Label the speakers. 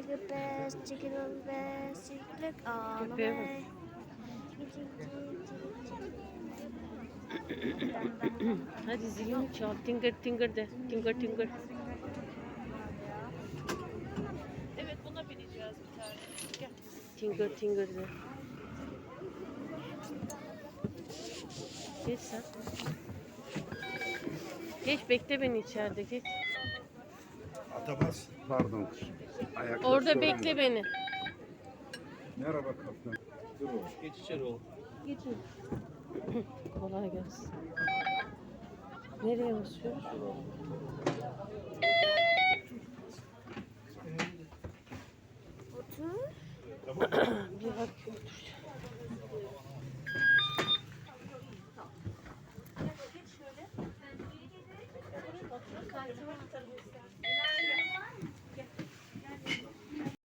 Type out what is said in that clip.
Speaker 1: the best, chicken on the best, chicken look all the
Speaker 2: Köpeğe bak.
Speaker 1: way.
Speaker 2: Hadi zilini çal. Tingır tingır de. Tingır tingır.
Speaker 3: Evet buna bineceğiz bir tane. Gel.
Speaker 2: Tingır tingır de. Geç sen. Geç bekle beni içeride geç.
Speaker 4: Atabas. Pardon. Ayakta
Speaker 2: Orada
Speaker 4: sorun
Speaker 2: bekle
Speaker 4: var.
Speaker 2: beni.
Speaker 4: Merhaba kaptan. Dur oğlum.
Speaker 5: Geç içeri oğlum.
Speaker 2: Geçin. Kolay gelsin. Nereye basıyoruz?
Speaker 1: Otur.
Speaker 2: Bir bak otur.